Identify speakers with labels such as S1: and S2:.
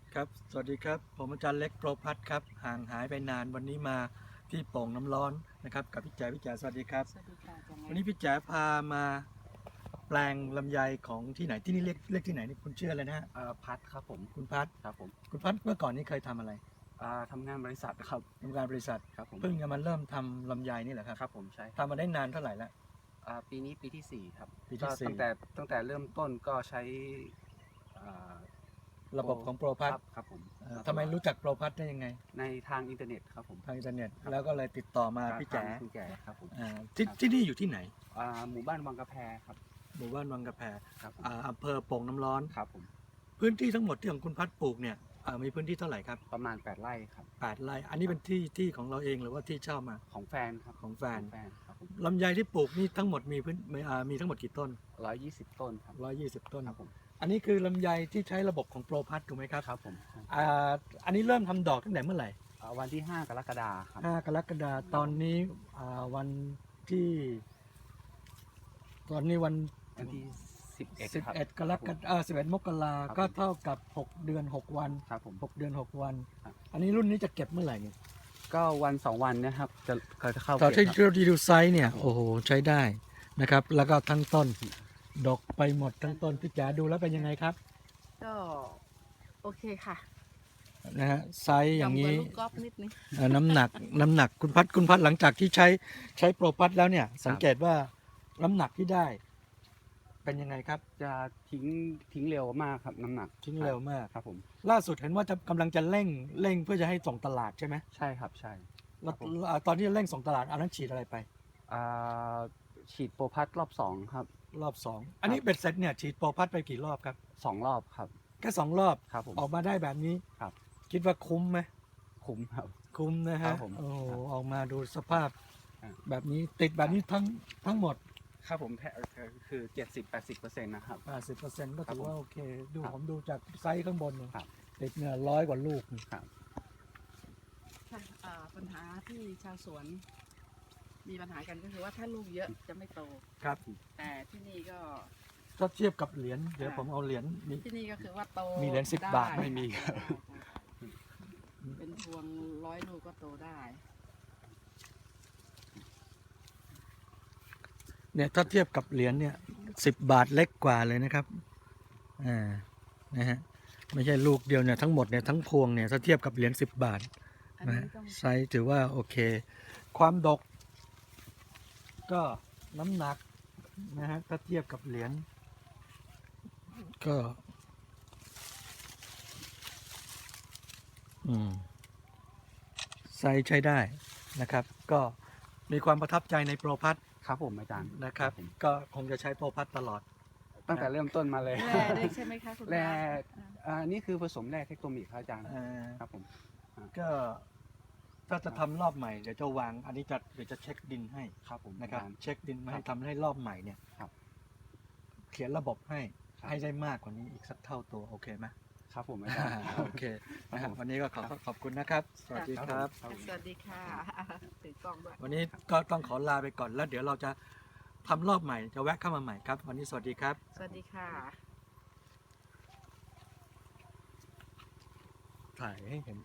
S1: ครับสวัสดีครับผมอาจารย์เล็กโปรพัฒน์ครับห่างหายไปนานวันนี้มาที่โป่งน้ำร้อนนะครับกับพี่แจ๋สวัสดีครับ
S2: สวัสดีค่ะอาจารย์
S1: วันนี้พี่แจ๋พามาแปลงลำไยของที่ไหนที่นี่เรียกที่ไหนนี่คุณเชื่อเลยนะฮะ
S3: พัดครับผม
S1: คุณพัฒน์
S3: ครับผม
S1: คุณพัฒน์เมื่อก่อนนี้เคยทำอะไร
S3: ทำงานบริษัทครับ
S1: ทำงานบริษัท
S3: ครับผม
S1: เพิ่งจะมาเริ่มทำลำไยนี่แหละครับ
S3: ครับผมใช่
S1: ทำมาได้นานเท่าไหร่แล้ว
S3: ปีนี้ปีที่4ครับ
S1: ปีที่
S3: ก็
S1: สี่
S3: ตั้งแต่เริ่มต้นก็ใช้อ่า
S1: ระบบของโปรพัฒน์
S3: ครับผม
S1: ทำไมรู้จักโปรพัฒน์ได้ยังไง
S3: ในทางอินเทอร์เน็ตครับผม
S1: ทางอินเทอร์เน็ตแล้วก็เลยติดต่อมาพี่แจ๋
S3: ทางคุณแก่ครับผม
S1: ที่นี่อยู่ที่ไหน
S3: หมู่บ้านวังกระแพครับ
S1: หมู่บ้านวังกระแพ
S3: ครับผม
S1: อำเภอโป่งน้ำร้อน
S3: ครับผม
S1: พื้นที่ทั้งหมดที่ของคุณพัดปลูกเนี่ยมีพื้นที่เท่าไหร่ครับ
S3: ประมาณ8 ไร่ครับ
S1: 8 ไร่อันนี้เป็นที่ของเราเองหรือว่าที่เช่ามา
S3: ของแฟนครับ
S1: ของแฟน
S3: ครับผม
S1: ลำไยที่ปลูกนี่ทั้งหมดมีทั้งหมดกี่ต้น
S3: 120 ต้นครับ
S1: 120 ต้น
S3: ครับผม
S1: อันนี้คือลำไยที่ใช้ระบบของโปรพัทถูกไหมครับ
S3: ครับผม
S1: อันนี้เริ่มทำดอกตั้งแต่เมื่อไหร่
S3: วันที่5 กรกฎาคมครับ
S1: 5 กรกฎาคมตอนนี้วันที่วัน
S3: วันที่11ครับ
S1: 11กรกฎาคม11 มกรา
S3: ครับ
S1: ก็เท่ากับ6 เดือน 6 วัน
S3: ครับผม
S1: 6 เดือน 6 วัน
S3: ครับ
S1: อันนี้รุ่นนี้จะเก็บเมื่อไหร่เนี่ย
S3: ก็วัน2 วันนะครับจะเข้า
S1: ตอนที่
S3: เก็บครับ
S1: เราดูไซส์เนี่ยโอ้โหใช้ได้นะครับ แล้วก็ทั้งต้นดกไปหมดทั้งต้นพี่จ๋าดูแล้วเป็นยังไงครับ
S2: ก็โอเคค่ะ
S1: นะฮะไซส์อย่างนี้
S2: นี้ลูกกอล์ฟนิดนึง
S1: น้ำหนักคุณพัดหลังจากที่ใช้โปรพัดแล้วเนี่ยสังเกตว่าน้ำหนักที่ได้ เป็นยังไงครับ
S3: จะทิ้งเร็วมากครับน้ำหนัก
S1: ทิ้งเร็วมาก
S3: ครับผม
S1: ล่าสุดเห็นว่าจะกำลังจะเร่งเพื่อจะให้ส่งตลาดใช่ไหม
S3: ใช่ครับใช่
S1: แล้วตอนที่เร่งส่งตลาดอันนั้นฉีดอะไรไป
S3: อ่าฉีดโปรพัทรอบ2ครับ
S1: รอบ2อันนี้เบ็ดเสร็จเนี่ยฉีดโปรพัดไปกี่รอบครับ
S3: 2 รอบครับ
S1: แค่2 รอบ
S3: ครับผม
S1: ออกมาได้แบบนี้
S3: ครับ
S1: คิดว่าคุ้มไหม
S3: คุ้มครับ
S1: คุ้มนะ
S3: ครั
S1: ฮะ
S3: บผม
S1: โอ้โห
S3: ครับ
S1: ออกมาดูสภาพ
S3: อ่า
S1: แบบนี้ติดแบบนี้ทั้งหมด
S3: ครับผมคือ70-80%นะครับ
S1: 80%ก็
S3: ครับ
S1: ถือ
S3: ผม
S1: ว่าโอเคดู
S3: ครับ
S1: ผมดูจากไซส์ข้างบนเนี่ย
S3: ครับ
S1: ติดเนี่ย100 กว่าลูก
S3: ครับ
S2: ค่ะปัญหาที่ชาวสวน มีปัญหากันก็คือว่าถ้าลูกเยอะจะไม่โต
S1: ครับ
S2: แต่ที่นี่ก็
S1: ถ้าเทียบกับเหรียญเดี๋ยวผมเอาเหรียญมี
S2: ที่นี่ก็คือว่าโต
S1: มีเหรียญ10
S2: ได้
S1: บาท
S3: ไม่มีครับ
S2: เป็นพวง100 ลูกก็โตได้
S1: เนี่ยถ้าเทียบกับเหรียญเนี่ย10 บาทเล็กกว่าเลยนะครับนะฮะไม่ใช่ลูกเดียวเนี่ยทั้งหมดเนี่ยทั้งพวงเนี่ยถ้าเทียบกับเหรียญ10 บาท
S2: อัน
S1: นะ
S2: นี้
S1: ฮะ
S2: ต้อง
S1: ไซส์ถือว่าโอเค ความดก ก็น้ำหนักนะฮะถ้าเทียบกับเหรียญก็ไซส์ใช้ได้นะครับ ก็มีความประทับใจในโปรพัท
S3: ครับผมอาจารย์
S1: นะครับ
S3: ผม
S1: ก็คงจะใช้โปรพัทตลอด
S3: ตั้งแต่เริ่มต้นมาเลย
S2: แร่ได้ใช่ไหมคะคุณ
S3: แร่
S2: ป้า
S3: นี่คือผสมแร่เทคโนมิกครับอาจารย์ ครับผม
S1: ก็ถ้าจะทำรอบใหม่เดี๋ยวจะวางอันนี้เดี๋ยวจะเช็คดินให้
S3: ครับผม
S1: นะครับ
S3: อาจารย์
S1: เช็คดินมาให้ทำให้รอบใหม่เนี่ย
S3: ครับ
S1: เขียนระบบให้
S3: ครับ
S1: ให้ได้มากกว่านี้อีกสักเท่าตัวโอเคไหม
S3: ครับผมอาจารย์
S1: โอเคนะครับวันนี้ก็ขอบคุณนะครับ สวัสดีครับ
S2: สวัสดีค่ะถือกล้องด้วย
S1: วันนี้ก็ต้องขอลาไปก่อนแล้วเดี๋ยวเราจะทำรอบใหม่จะแวะเข้ามาใหม่ครับ วันนี้สวัสดีครับ
S2: สวัสดีค่ะ
S1: ถ่ายให้เห็น